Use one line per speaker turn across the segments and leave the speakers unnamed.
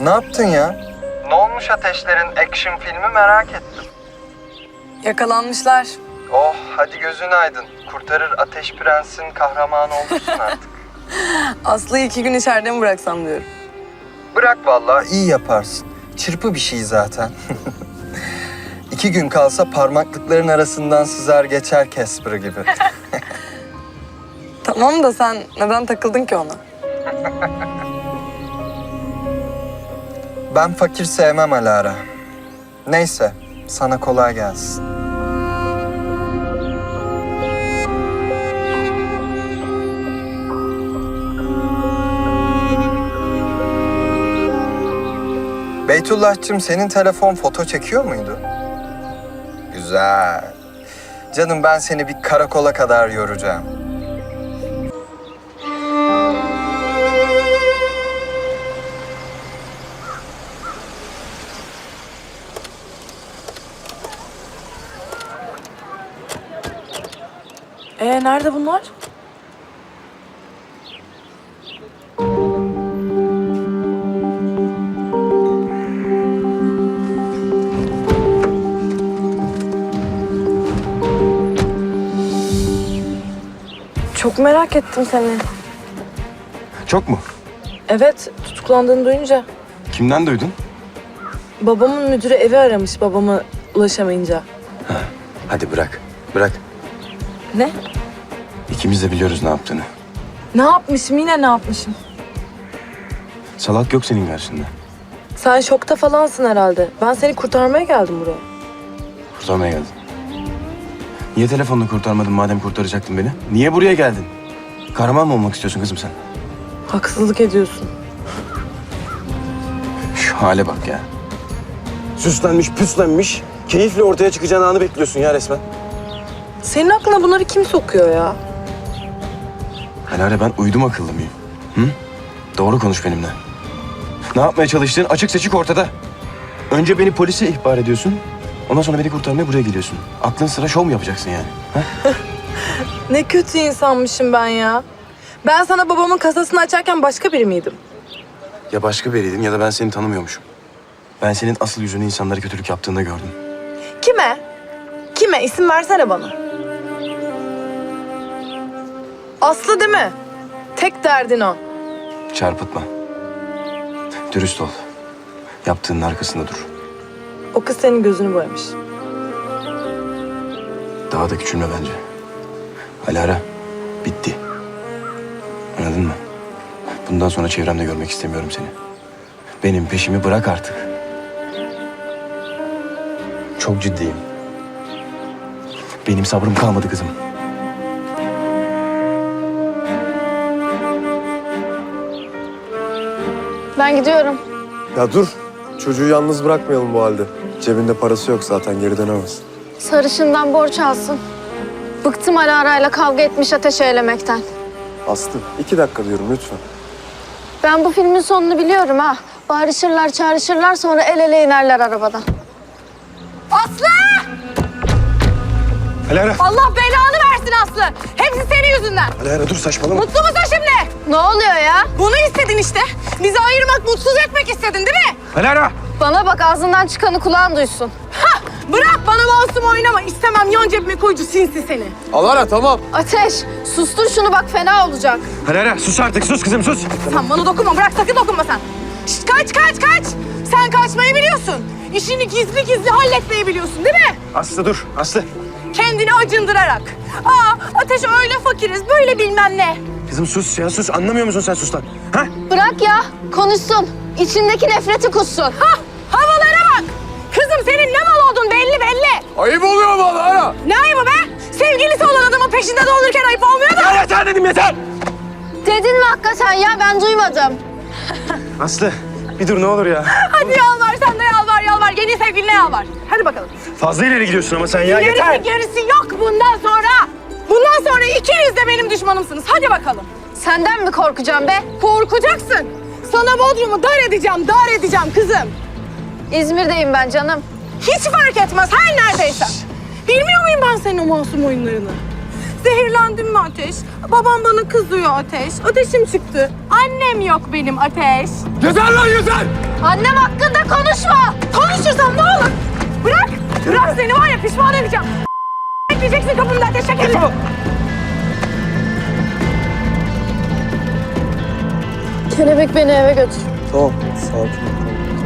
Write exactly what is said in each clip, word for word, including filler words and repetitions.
Ne yaptın ya? Ne olmuş Ateşler'in action filmi merak ettim.
Yakalanmışlar.
Oh hadi gözün aydın. Kurtarır Ateş Prens'in kahramanı olursun artık.
Aslı'yı iki gün içeride mi bıraksam diyorum.
Bırak vallahi iyi yaparsın. Çırpı bir şey zaten. İki gün kalsa parmaklıkların arasından sızar geçer Casper gibi.
Tamam da sen neden takıldın ki ona?
Ben fakir sevmem Alara. Neyse, sana kolay gelsin. Beytullah'cığım senin telefon foto çekiyor muydu? Güzel. Canım ben seni bir karakola kadar yoracağım.
Ee nerede bunlar? Çok merak ettim seni.
Çok mu?
Evet, tutuklandığını duyunca.
Kimden duydun?
Babamın müdürü evi aramış babama ulaşamayınca.
Hadi bırak. Bırak.
Ne?
İkimiz de biliyoruz ne yaptığını.
Ne yapmışım, yine ne yapmışım?
Salak yok senin karşında.
Sen şokta falansın herhalde. Ben seni kurtarmaya geldim buraya.
Kurtarmaya geldin. Niye telefonla kurtarmadın madem kurtaracaktın beni? Niye buraya geldin? Kahraman mı olmak istiyorsun kızım sen?
Haksızlık ediyorsun.
Şu hale bak ya. Süslenmiş, püslenmiş. Keyifle ortaya çıkacağın anı bekliyorsun ya resmen.
Senin aklına bunları kim sokuyor ya?
Alara ben uydum akıllı mıyım? Hı? Doğru konuş benimle. Ne yapmaya çalıştığın açık seçik ortada. Önce beni polise ihbar ediyorsun. Ondan sonra beni kurtarmaya buraya geliyorsun. Aklın sıra şov mu yapacaksın yani? Ha?
Ne kötü insanmışım ben ya. Ben sana babamın kasasını açarken başka biri miydim?
Ya başka biriydin ya da ben seni tanımıyormuşum. Ben senin asıl yüzünü insanlara kötülük yaptığında gördüm.
Kime? Kime? İsim versene bana. Aslı değil mi? Tek derdin o.
Çarpıtma. Dürüst ol. Yaptığının arkasında dur.
O kız senin gözünü boyamış.
Daha da küçülme bence. Alara, bitti. Anladın mı? Bundan sonra çevremde görmek istemiyorum seni. Benim peşimi bırak artık. Çok ciddiyim. Benim sabrım kalmadı kızım.
Ben gidiyorum.
Ya dur. Çocuğu yalnız bırakmayalım bu halde. Cebinde parası yok zaten, geri dönemez.
Sarışından borç alsın. Bıktım ara arayla kavga etmiş ateş eylemekten.
Aslı, iki dakika diyorum lütfen.
Ben bu filmin sonunu biliyorum ha. Bağırışırlar, çağrışırlar, sonra el ele inerler arabadan.
Aslı!
Alara!
Allah belanı versin Aslı. Hepsi senin yüzünden.
Alara dur saçmalama.
Mutlu musun şimdi?
Ne oluyor ya?
Bunu istedin işte. Bizi ayırmak, mutsuz etmek istedin değil mi?
Alara!
Bana bak, ağzından çıkanı kulağın duysun.
Hah! Bırak bana masum oynama. İstemem, yan cebime koyucu sinsi seni.
Alara tamam.
Ateş, sustur şunu bak, fena olacak.
Alara sus artık, sus kızım sus.
Sen bana dokunma, bırak sakın dokunma sen. Şişt, kaç kaç kaç. Sen kaçmayı biliyorsun. İşini gizli gizli halletmeyi biliyorsun değil mi?
Aslı dur, Aslı.
Kendini acındırarak. Aa, Ateş öyle fakiriz, böyle bilmem ne.
Kızım sus ya, sus. Anlamıyor musun sen sus lan? Ha?
Bırak ya, konuşsun. İçindeki nefreti kussun.
Hah! Havalara bak! Kızım senin ne mal olduğun belli belli.
Ayıp oluyor bana Alara.
Ne ayıbı be? Sevgilisi olan adamın peşinde dolanırken ayıp olmuyor da.
Ya yeter dedim yeter!
Dedin mi hakikaten ya? Ben duymadım.
Aslı bir dur ne olur ya.
Hadi yalvar sen de yalvar yalvar. Yeni sevgiline yalvar. Hadi bakalım.
Fazla ileri gidiyorsun ama sen ya yeter.
Gerisi gerisi yok bundan sonra. Bundan sonra ikiniz de benim düşmanımsınız. Hadi bakalım.
Senden mi korkacağım be?
Korkacaksın. Sana Bodrum'u dar edeceğim, dar edeceğim kızım.
İzmir'deyim ben canım.
Hiç fark etmez her neredeyse. Bilmiyor muyum ben senin o masum oyunlarını? Zehirlendim mi Ateş? Babam bana kızıyor Ateş. Ateşim çıktı. Annem yok benim Ateş.
Yeter lan yeter!
Annem hakkında konuşma. Konuşursam ne olur? Bırak. Bırak seni var ya pişman edeceğim. Bekleyeceksin kapımda Ateş şekerim.
Kelebek beni eve götür.
Tamam, sakin ol.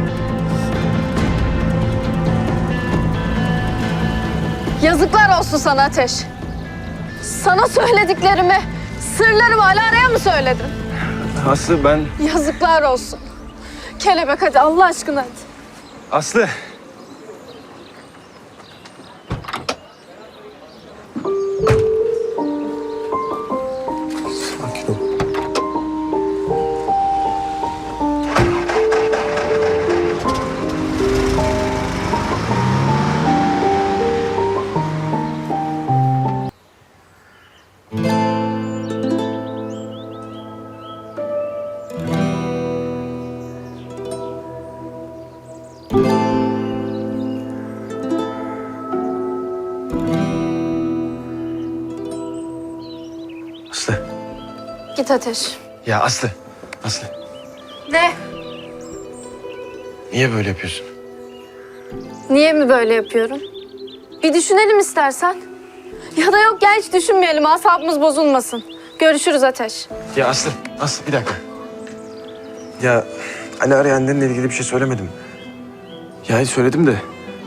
Yazıklar olsun sana Ateş. Sana söylediklerimi, sırlarımı Alara'ya mı söyledin?
Aslı ben...
Yazıklar olsun. Kelebek hadi Allah aşkına hadi.
Aslı!
Sakin ol.
Aslı.
Git Ateş.
Ya Aslı. Aslı.
Ne?
Niye böyle yapıyorsun?
Niye mi böyle yapıyorum? Bir düşünelim istersen. Ya da yok gel hiç düşünmeyelim asabımız bozulmasın. Görüşürüz Ateş.
Ya Aslı. Aslı bir dakika. Ya Ali arayanlarla ilgili bir şey söylemedim. Ya söyledim de.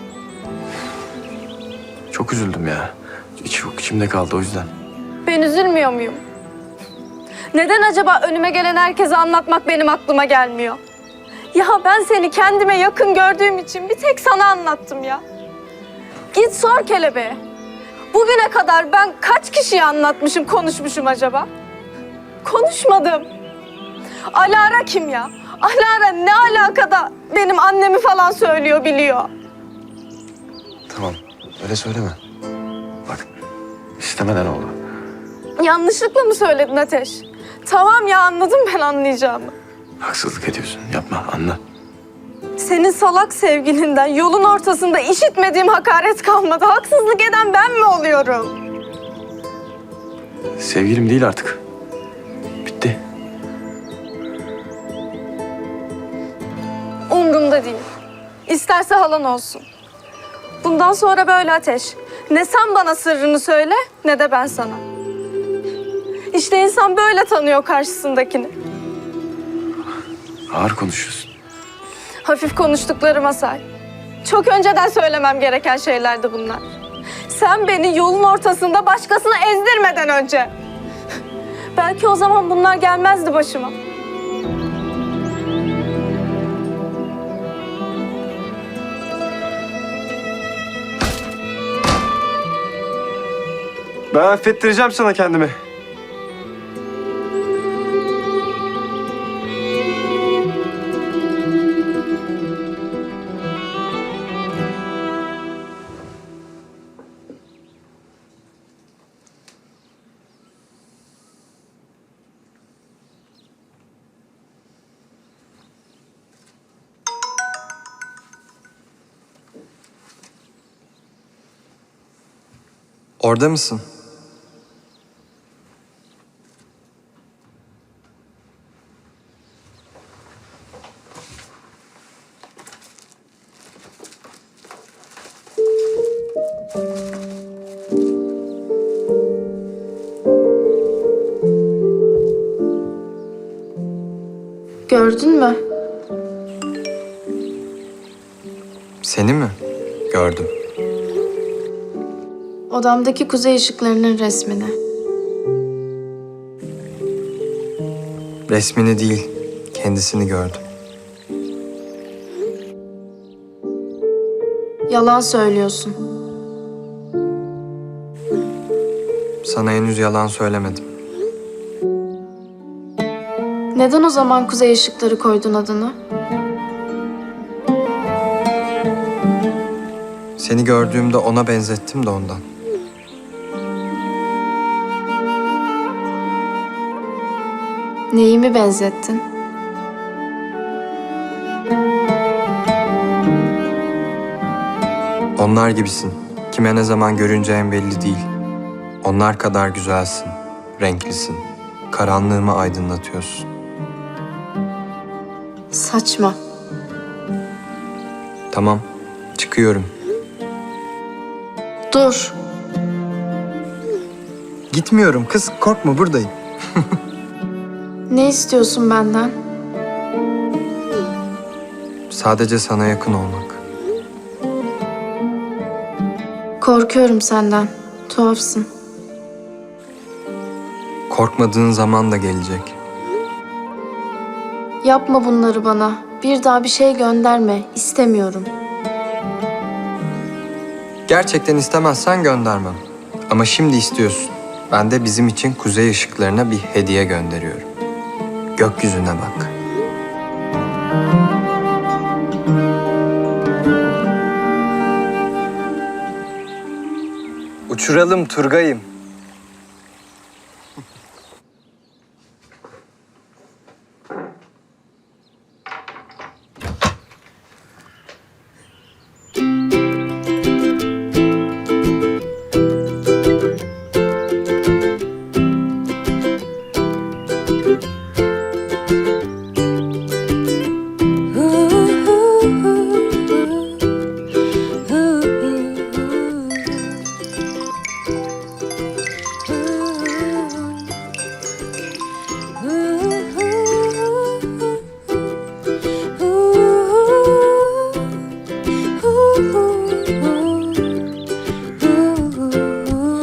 Çok üzüldüm ya. İç, çok içimde kaldı o yüzden.
Ben üzülmüyor muyum? Neden acaba önüme gelen herkese anlatmak benim aklıma gelmiyor? Ya ben seni kendime yakın gördüğüm için bir tek sana anlattım ya. Git sor kelebeğe. Bugüne kadar ben kaç kişiye anlatmışım, konuşmuşum acaba? Konuşmadım. Alara kim ya? Alara ne alakada benim annemi falan söylüyor, biliyor.
Tamam. Öyle söyleme. Bak. istemeden oldu.
Yanlışlıkla mı söyledin Ateş? Tamam ya anladım ben anlayacağımı.
Haksızlık ediyorsun. Yapma. Anla.
Senin salak sevgilinden yolun ortasında işitmediğim hakaret kalmadı. Haksızlık eden ben mi oluyorum?
Sevgilim değil artık. Bitti.
Umrumda değil. İsterse halan olsun. Bundan sonra böyle Ateş. Ne sen bana sırrını söyle ne de ben sana. İşte insan böyle tanıyor karşısındakini.
Ağır konuşuyorsun.
Hafif konuştuklarıma say. Çok önceden söylemem gereken şeylerdi bunlar. Sen beni yolun ortasında başkasına ezdirmeden önce. Belki o zaman bunlar gelmezdi başıma.
Ben affettireceğim sana kendimi.
Orada mısın?
Gördün mü?
Seni mi? Gördüm.
Odamdaki kuzey ışıklarının resmini.
Resmini değil, kendisini gördüm.
Yalan söylüyorsun.
Sana henüz yalan söylemedim.
Neden o zaman kuzey ışıkları koydun adını?
Seni gördüğümde ona benzettim de ondan.
Neyimi benzettin?
Onlar gibisin. Kime ne zaman görüneceğin belli değil. Onlar kadar güzelsin, renklisin. Karanlığımı aydınlatıyorsun.
Saçma.
Tamam, çıkıyorum.
Dur.
Gitmiyorum kız, korkma buradayım.
Ne istiyorsun benden?
Sadece sana yakın olmak.
Korkuyorum senden. Tuhafsın.
Korkmadığın zaman da gelecek.
Yapma bunları bana. Bir daha bir şey gönderme. İstemiyorum.
Gerçekten istemezsen göndermem. Ama şimdi istiyorsun. Ben de bizim için kuzey ışıklarına bir hediye gönderiyorum. Gökyüzüne bak. Uçuralım Turgay'ım.